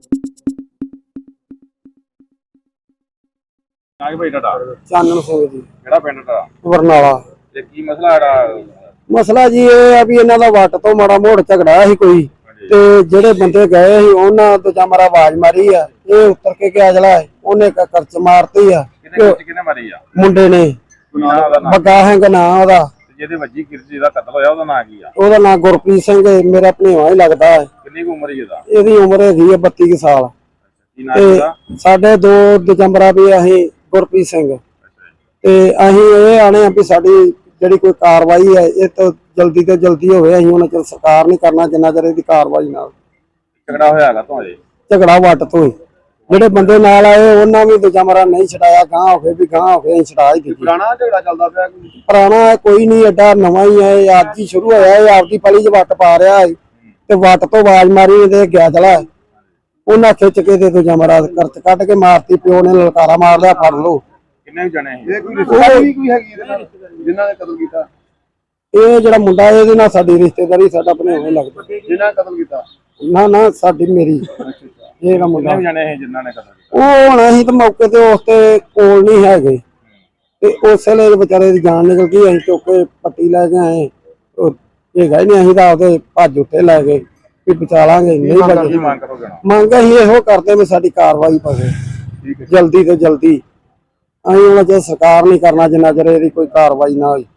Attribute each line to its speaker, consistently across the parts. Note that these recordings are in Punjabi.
Speaker 1: ਨਾਗ ਭਾਈ ਤੁਹਾਡਾ
Speaker 2: ਚਾਨਣ ਸਿੰਘ ਜੀ,
Speaker 1: ਕਿਹੜਾ ਪਿੰਡ ਦਾ
Speaker 2: ਬਰਨਾਲਾ।
Speaker 1: ਤੇ ਕੀ ਮਸਲਾ ਜਿਹੜਾ
Speaker 2: ਮਸਲਾ ਜੀ ਇਹ ਆ ਵੀ ਇਹਨਾਂ ਦਾ ਵੱਟ ਤੋਂ ਮਾੜਾ ਮੋੜ ਝਗੜਾ ਸੀ ਕੋਈ, ਤੇ ਜਿਹੜੇ ਬੰਦੇ ਗਏ ਸੀ ਉਹਨਾਂ ਤੋਂ ਜਾਂ ਮਾਰਾ ਆਵਾਜ਼ ਮਾਰੀ ਆ, ਇਹ ਉੱਤਰ ਕੇ ਗਿਆ ਜਲਾ ਉਹਨੇ ਕਰਚ ਮਾਰਤੀ ਆ।
Speaker 1: ਕਿਹਨੇ ਮਾਰੀ ਆ?
Speaker 2: ਮੁੰਡੇ ਨੇ, ਬੱਗਾ ਹੈਂਗ ਨਾਂ ਉਹਦਾ।
Speaker 1: ਜਿਹਦੇ ਵੱਜੀ ਕਿਰਜੀ ਦਾ ਕਤਲ ਹੋਇਆ ਉਹਦਾ ਨਾਂ ਕੀ ਆ?
Speaker 2: ਉਹਦਾ ਨਾਂ ਗੁਰਪ੍ਰੀਤ ਸਿੰਘ, ਮੇਰਾ ਭਣੇਵਾ ਹੀ ਲੱਗਦਾ ਹੈ।
Speaker 1: ਕਿੰਨੀ ਉਮਰ ਹੀ ਇਹਦਾ?
Speaker 2: ਇਹਦੀ ਉਮਰ ਹੈਗੀ ਆ 32 ਕੁ ਸਾਲ।
Speaker 1: ਕੀ ਨਾਂ ਇਹਦਾ?
Speaker 2: ਸਾਡੇ 2 ਦਸੰਬਰ ਵੀ ਅਸੀਂ ਗੁਰਪ੍ਰੀਤ ਸਿੰਘ, ਤੇ ਅਸੀਂ ਇਹ ਆਣੇ ਆ ਵੀ ਸਾਡੀ ਜਿਹੜੀ ਕੋਈ ਕਾਰਵਾਈ ਹੈ ਇਹ ਤਾਂ ਜਲਦੀ ਤੋਂ ਜਲਦੀ ਹੋਵੇ। ਅਸੀਂ ਹੁਣ ਚਲ ਸਰਕਾਰ ਨਹੀਂ ਕਰਨਾ ਜਿੰਨਾ ਚਿਰ ਇਹਦੀ ਕਾਰਵਾਈ ਨਾਲ।
Speaker 1: ਝਗੜਾ ਹੋਇਆ ਹੈਗਾ ਤੋਂ ਅਜੇ?
Speaker 2: ਝਗੜਾ ਵੱਟ ਤੋਂ ਹੀ, ਜਿਹੜੇ ਬੰਦੇ ਨਾਲ ਆਏ ਉਹਨਾਂ ਵੀ ਦੂਜਾ ਮਰਾ ਨਹੀਂ ਛਡਾਇਆ, ਗਾਂ ਹੋ ਗਏ ਵੀ ਗਾਂ ਹੋ ਗਏ, ਛਡਾ ਹੀ ਦਿੱਤੀ।
Speaker 1: ਪੁਰਾਣਾ ਝਗੜਾ ਚੱਲਦਾ ਪਿਆ?
Speaker 2: ਪੁਰਾਣਾ ਕੋਈ ਨਹੀਂ, ਐਡਾ ਨਵਾਂ ਹੀ ਹੈ, ਅੱਜ ਹੀ ਸ਼ੁਰੂ ਹੋਇਆ। ਇਹ ਆਪਦੀ ਪਲੀ 'ਚ ਵੱਟ ਪਾ ਰਿਹਾ ਹੈ ਤੇ ਵੱਟ ਤੋਂ ਆਵਾਜ਼ ਮਾਰੀ ਇਹਦੇ ਗਿਆ ਚਲਾ, ਉਹਨਾਂ ਖਿੱਚ ਕੇ ਤੇ ਦੂਜਾ ਮਰਾ ਕਰਚ ਕੱਢ ਕੇ ਮਾਰਤੀ। ਪਿਓ ਨੇ ਲਲਕਾਰਾ ਮਾਰ ਲਿਆ, ਫੜ ਲਓ।
Speaker 1: ਕਿੰਨੇ ਜਣੇ ਸੀ?
Speaker 3: ਇਹ ਕੋਈ ਰਿਸ਼ਤੇਦਾਰੀ ਕੋਈ ਹੈਗੀ ਇਹਦੇ ਨਾਲ ਜਿਨ੍ਹਾਂ ਨੇ ਕਤਲ ਕੀਤਾ?
Speaker 2: ਇਹ ਜਿਹੜਾ ਮੁੰਡਾ ਇਹਦੇ ਨਾਲ ਸਾਡੀ ਰਿਸ਼ਤੇਦਾਰੀ, ਸਾਡਾ ਭਣੇਵਾ ਹੀ ਲੱਗਦਾ।
Speaker 3: ਜਿਨ੍ਹਾਂ ਨੇ ਕਤਲ ਕੀਤਾ?
Speaker 2: ਨਾ ਸਾਡੀ ਮੇਰੀ ਇਹ ਜਿਹੜਾ ਮੁੰਡਾ
Speaker 1: ਕਿੰਨੇ ਜਣੇ ਸੀ ਜਿਨ੍ਹਾਂ ਨੇ ਕਤਲ ਕੀਤਾ?
Speaker 2: ਉਹ ਹੁਣ ਅਸੀਂ ਤਾਂ ਮੌਕੇ ਤੇ ਉਸ ਤੇ ਕੋਲ ਨਹੀਂ ਹੈਗੇ, ਤੇ ਉਸ ਵੇਲੇ ਵਿਚਾਰੇ ਦੀ ਜਾਨ ਨਿਕਲ ਗਈ। ਅਸੀਂ ਚੁੱਕ ਕੇ ਪੱਟੀ ਲੈ ਕੇ ਆਏ, ਉਹ ਹੈਗਾ ਹੀ ਨਹੀਂ। ਅਸੀਂ ਤਾਂ ਆਪਦੇ ਭੱਜ ਉੱਤੇ ਲੈ ਗਏ ਵੀ ਬਚਾ ਲਾਂਗੇ, ਨਹੀਂ ਬਚੇ।
Speaker 1: ਮੰਗ ਕਰੋਗੇ ਨਾ?
Speaker 2: ਮੰਗ ਅਸੀਂ ਇਹੋ ਕਰਦੇ ਵੀ ਸਾਡੀ ਕਾਰਵਾਈ ਪਵੇ ਜਲਦੀ ਤੋਂ ਜਲਦੀ। ਅਸੀਂ ਹੁਣ ਜੇ ਸਰਕਾਰ ਨਹੀਂ ਕਰਨਾ ਜਿੰਨਾ ਚਿਰ ਇਹਦੀ ਕੋਈ ਕਾਰਵਾਈ ਨਾ ਹੋਈ।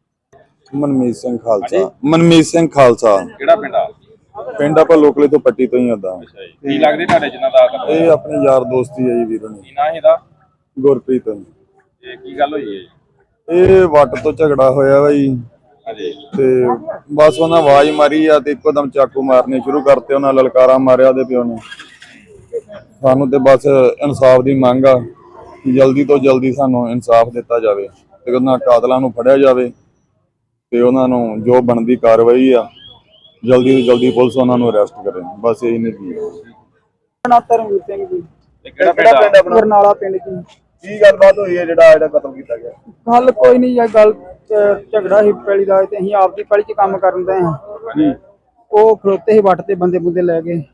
Speaker 4: ਮਨਮੀਤ ਸਿੰਘ ਖਾਲਸਾ। ਮਨਮੀਤ ਸਿੰਘ ਖਾਲਸਾ।
Speaker 1: ਕਿਹੜਾ ਪਿੰਡ ਆ?
Speaker 4: ਪਿੰਡ ਆਪਾਂ ਲੋਕਲੇ ਤੋਂ ਪੱਟੀ ਤੋਂ ਹੀ ਆਉਂਦਾ।
Speaker 1: ਕੀ ਲੱਗਦੇ ਤੁਹਾਡੇ ਜਿਨ੍ਹਾਂ ਦਾ ਕਤਲ?
Speaker 4: ਇਹ ਆਪਣੇ ਯਾਰ ਦੋਸਤੀ ਹੈ ਜੀ ਵੀਰੋ ਨੇ।
Speaker 1: ਕੀ ਨਾਂ ਇਹਦਾ?
Speaker 4: ਗੁਰਪ੍ਰੀਤ।
Speaker 1: ਇਹ ਕੀ ਗੱਲ ਹੋਈ ਹੈ?
Speaker 4: ਇਹ ਵੱਟ ਤੋਂ ਝਗੜਾ ਹੋਇਆ ਵਾ ਜੀ,
Speaker 1: ਹਾਂਜੀ।
Speaker 4: ਤੇ ਬਸ ਉਹਨਾਂ ਆਵਾਜ਼ ਮਾਰੀ ਆ ਤੇ ਇੱਕੋ ਦਮ ਚਾਕੂ ਮਾਰਨੇ ਸ਼ੁਰੂ ਕਰਤੇ। ਉਹਨਾਂ ਲਲਕਾਰਾ ਮਾਰਿਆ ਉਹਦੇ ਪਿਓ ਨੇ। ਸਾਨੂੰ ਤੇ ਬਸ ਇਨਸਾਫ ਦੀ ਮੰਗ ਆ, ਜਲਦੀ ਤੋਂ ਜਲਦੀ ਸਾਨੂੰ ਇਨਸਾਫ ਦਿੱਤਾ ਜਾਵੇ ਤੇ ਉਹਨਾਂ ਕਾਤਲਾਂ ਨੂੰ ਫੜਿਆ ਜਾਵੇ ਤੇ ਉਹਨਾਂ ਨੂੰ ਜੋ ਬਣਦੀ ਕਾਰਵਾਈ ਆ ਜਲਦੀ ਤੋਂ ਜਲਦੀ ਪੁਲਿਸ ਉਹਨਾਂ ਨੂੰ ਅਰੈਸਟ ਕਰੇ। ਬਸ ਇਹੀ ਨੇ ਕੀ
Speaker 2: ਧਰਮਵੀਰ ਸਿੰਘ ਜੀ,
Speaker 1: ਕਿਹੜਾ ਪਿੰਡ ਆਪਣਾ?
Speaker 2: ਬਰਨਾਲਾ ਪਿੰਡ ਜੀ।
Speaker 3: ਕੀ ਗੱਲਬਾਤ ਹੋਈ ਹੈ ਜਿਹੜਾ ਕਤਲ ਕੀਤਾ ਗਿਆ?
Speaker 2: ਗੱਲ ਕੋਈ ਨਹੀਂ ਹੈ, ਗੱਲ ਝਗੜਾ ਹੀ ਪੈਲੀ ਦਾ, ਤੇ ਅਸੀਂ ਆਪਦੀ ਪੈਲੀ 'ਚ ਕੰਮ ਕਰਨ ਦੇ ਹਾਂ। ਉਹ ਖਲੋਤੇ ਸੀ ਵੱਟ ਤੇ, ਬੰਦੇ ਬੁੰਦੇ ਲੈ ਗਏ।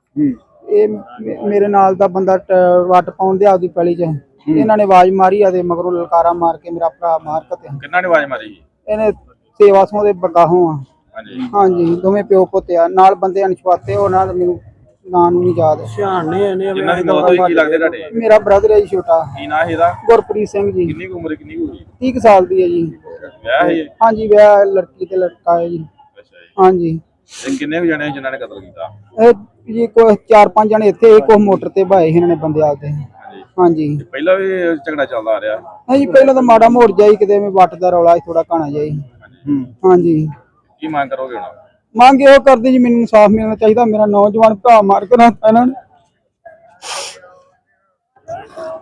Speaker 2: ਇਹ ਮੇਰੇ ਨਾਲ ਦਾ ਬੰਦਾ ਵੱਟ ਪਾਉਣ ਦੇ ਆਪਦੀ ਪੈਲੀ 'ਚ, ਇਹਨਾਂ ਨੇ ਆਵਾਜ਼ ਮਾਰੀ ਆ ਤੇ ਮਗਰੋਂ ਲਲਕਾਰਾ ਮਾਰ ਕੇ ਮੇਰਾ ਭਰਾ ਮਾਰ ਕੇ।
Speaker 1: ਕਿੰਨਾ ਨੇ ਆਵਾਜ਼ ਮਾਰੀ?
Speaker 2: ਇਹਨੇ ਸੇਵਾ ਸੋਂ ਦੇ ਬਗਾਹੋਂ ਆ। ਹਾਂਜੀ, ਦੋਵੇਂ ਪਿਓ ਪੁੱਤ ਆ, ਨਾਲ ਬੰਦੇ ਅਣਛਾਤੇ। ਉਹਨਾਂ ਦਾ ਮੈਨੂੰ ਨਾਂ ਨੂੰ ਨਹੀਂ ਯਾਦ।
Speaker 1: ਜਿਨ੍ਹਾਂ ਦੀ ਮੌਤ ਹੋਈ ਕੀ ਲੱਗਦੇ ਤੁਹਾਡੇ?
Speaker 2: ਮੇਰਾ ਬ੍ਰਦਰ ਹੈ ਜੀ ਛੋਟਾ।
Speaker 1: ਕੀ ਨਾਂ ਇਹਦਾ?
Speaker 2: ਗੁਰਪ੍ਰੀਤ ਸਿੰਘ ਜੀ।
Speaker 1: ਕਿੰਨੀ ਉਮਰ ਕਿੰਨੀ ਹੋਈ?
Speaker 2: 30 ਕੁ ਸਾਲ ਦੀ ਹੈ ਜੀ।
Speaker 1: ਵਿਆਹ ਹੈ?
Speaker 2: ਹਾਂਜੀ, ਵਿਆਹ ਲੜਕੀ ਤੇ ਲੜਕਾ ਹੈ ਜੀ।
Speaker 1: ਅੱਛਾ ਜੀ।
Speaker 2: ਹਾਂਜੀ।
Speaker 1: ਤੇ ਕਿੰਨੇ ਕੁ ਜਣੇ ਜਿਨ੍ਹਾਂ ਨੇ ਕਤਲ ਕੀਤਾ?
Speaker 2: ਇਹ ਜੀ ਕੋਈ 4-5 ਜਣੇ ਇੱਥੇ, ਇੱਕ ਮੋਟਰ ਤੇ ਭਾਏ ਇਹਨਾਂ ਨੇ ਬੰਦੇ ਆਦੇ। ਹਾਂਜੀ।
Speaker 1: ਪਹਿਲਾਂ ਵੀ ਝਗੜਾ ਚੱਲਦਾ ਆ ਰਿਹਾ?
Speaker 2: ਹਾਂਜੀ, ਪਹਿਲਾਂ ਤਾਂ ਮਾੜਾ ਮੋੜ ਜਾਈ, ਕਿਤੇ ਮੈਂ ਵੱਟ ਦਾ ਰੌਲਾ ਥੋੜਾ ਘਣਾ ਜਾਈ। ਹਾਂਜੀ।
Speaker 1: ਕੀ ਮੰਗ ਕਰੋਗੇ ਹੁਣ?
Speaker 2: ਮੰਗ ਇਹੋ ਕਰਦੇ ਜੀ, ਮੈਨੂੰ ਇਨਸਾਫ ਮਿਲਣਾ ਚਾਹੀਦਾ। ਮੇਰਾ ਨੌਜਵਾਨ ਭਰਾ ਮਾਰ ਕੇ ਇਹਨਾਂ ਨੇ।